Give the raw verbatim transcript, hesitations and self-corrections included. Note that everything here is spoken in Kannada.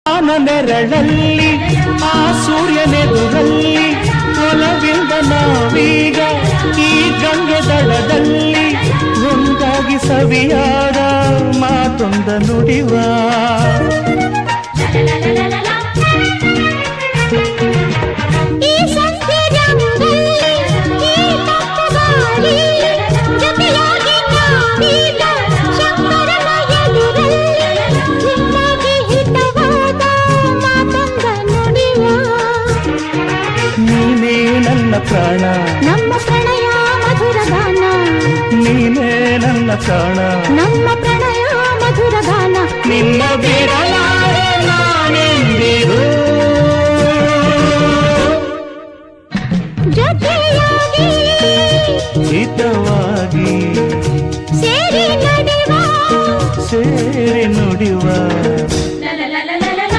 ನೆರಳಲ್ಲಿ ಆ ಸೂರ್ಯನೆದುರಲ್ಲಿ ಒಲವಿಂದ ನಾವೀಗ ಈ ಗಂಗೆ ದಡದಲ್ಲಿ ಒಂದಾಗಿ ಸವಿಯಾದ ಮಾತೊಂದ ನುಡಿವ ನೀನೇ ನನ್ನ ಪ್ರಾಣ ನಮ್ಮ ಪ್ರಣಯ ಮಧುರ ಗಾನ ನೀನೇ ನನ್ನ ಪ್ರಾಣ ನಮ್ಮ ಪ್ರಣಯ ಮಧುರ ಗಾನ ನಿನ್ನ ಬಿಡಲಾರೆ ನಾ